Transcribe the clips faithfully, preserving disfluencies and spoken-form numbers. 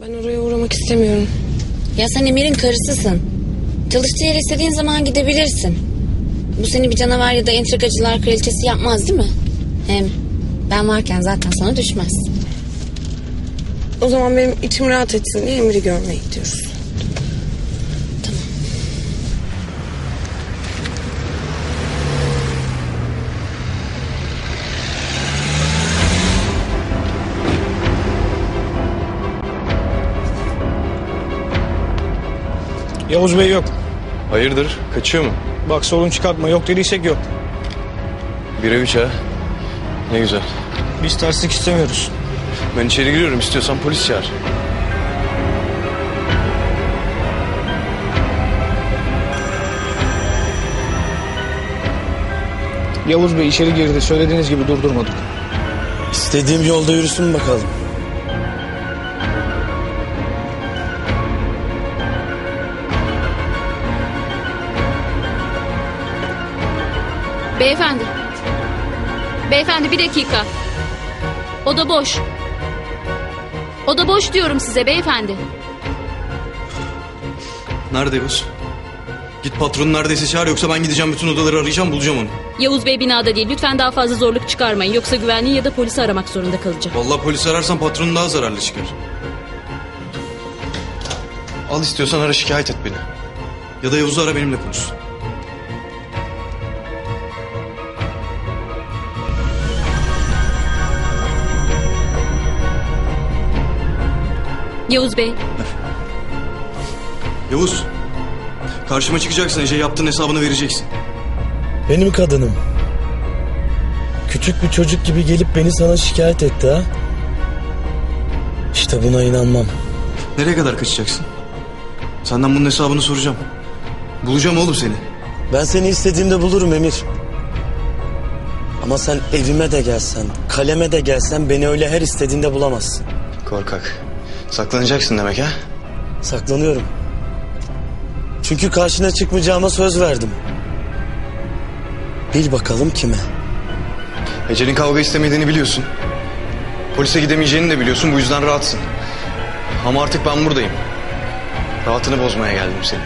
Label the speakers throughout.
Speaker 1: Ben oraya uğramak istemiyorum.
Speaker 2: Ya sen Emir'in karısısın. Çalıştığı yere istediğin zaman gidebilirsin. Bu seni bir canavar ya da entrikacılar kraliçesi yapmaz değil mi? Hem ben varken zaten sana düşmez.
Speaker 1: O zaman benim içim rahat etsin diye Emir'i görmeye gidiyoruz.
Speaker 2: Tamam.
Speaker 3: Yavuz Bey yok.
Speaker 4: Hayırdır? Kaçıyor mu?
Speaker 3: Bak sorun çıkartma. Yok dediysek yok.
Speaker 4: Bir ev ha. Ne güzel.
Speaker 3: Biz terslik istemiyoruz.
Speaker 4: Ben içeri giriyorum. İstiyorsan polis çağır.
Speaker 3: Yavuz Bey içeri girdi. Söylediğiniz gibi durdurmadık.
Speaker 5: İstediğim yolda yürüsün bakalım.
Speaker 6: Beyefendi. Beyefendi bir dakika. Oda boş. Oda boş diyorum size beyefendi.
Speaker 7: Nerede Yavuz? Git patronun neredeyse çağır, yoksa ben gideceğim bütün odaları arayacağım, bulacağım onu.
Speaker 6: Yavuz Bey binada değil. Lütfen daha fazla zorluk çıkarmayın. Yoksa güvenliği ya da polisi aramak zorunda kalacağım.
Speaker 7: Vallahi polis ararsan patronun daha zararlı çıkar. Al, istiyorsan ara, şikayet et beni. Ya da Yavuz'u ara, benimle konuş.
Speaker 6: Yavuz Bey.
Speaker 7: Yavuz, karşıma çıkacaksın, Ece yaptığın hesabını vereceksin.
Speaker 5: Benim kadınım. Küçük bir çocuk gibi gelip beni sana şikayet etti ha. İşte buna inanmam.
Speaker 7: Nereye kadar kaçacaksın? Senden bunun hesabını soracağım. Bulacağım oğlum seni.
Speaker 5: Ben seni istediğimde bulurum Emir. Ama sen evime de gelsen, kaleme de gelsen beni öyle her istediğinde bulamazsın.
Speaker 7: Korkak. Saklanacaksın demek ha?
Speaker 5: Saklanıyorum. Çünkü karşına çıkmayacağıma söz verdim. Bil bakalım kime?
Speaker 7: Ece'nin kavga istemediğini biliyorsun. Polise gidemeyeceğini de biliyorsun, bu yüzden rahatsın. Ama artık ben buradayım. Rahatını bozmaya geldim senin.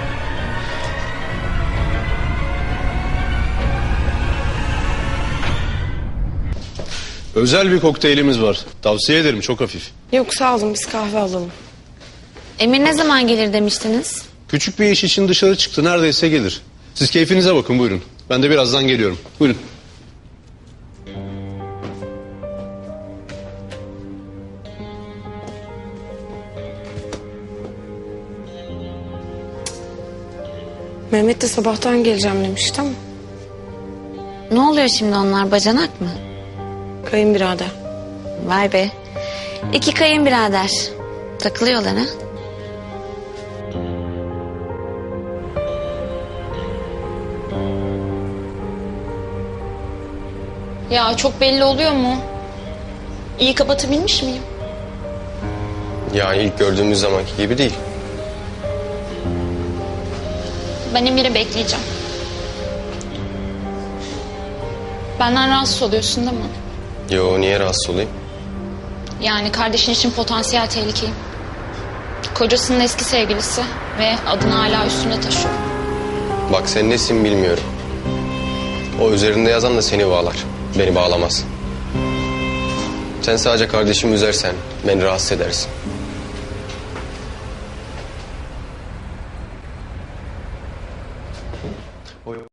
Speaker 8: Özel bir kokteylimiz var. Tavsiye ederim, çok hafif.
Speaker 1: Yok sağ olun, biz kahve alalım.
Speaker 2: Emir ne zaman gelir demiştiniz?
Speaker 8: Küçük bir iş için dışarı çıktı, neredeyse gelir. Siz keyfinize bakın, buyurun. Ben de birazdan geliyorum. Buyurun.
Speaker 1: Mehmet de sabahtan geleceğim demişti ama
Speaker 2: Ne oluyor şimdi, onlar bacanak mı?
Speaker 1: kayınbirader.
Speaker 2: Vay be. İki kayınbirader. Takılıyorlar ha?
Speaker 9: Ya çok belli oluyor mu? İyi kapatabilmiş miyim?
Speaker 10: Yani ilk gördüğümüz zamanki gibi değil.
Speaker 9: Ben Emir'i bekleyeceğim. Benden rahatsız oluyorsun değil mi?
Speaker 10: Yo, niye rahatsız olayım?
Speaker 9: Yani kardeşin için potansiyel tehlikeyim. Kocasının eski sevgilisi ve adını hala üstünde taşıyor.
Speaker 10: Bak, sen nesin bilmiyorum. O üzerinde yazan da seni bağlar. Beni bağlamaz. Sen sadece kardeşimi üzersen beni rahatsız edersin.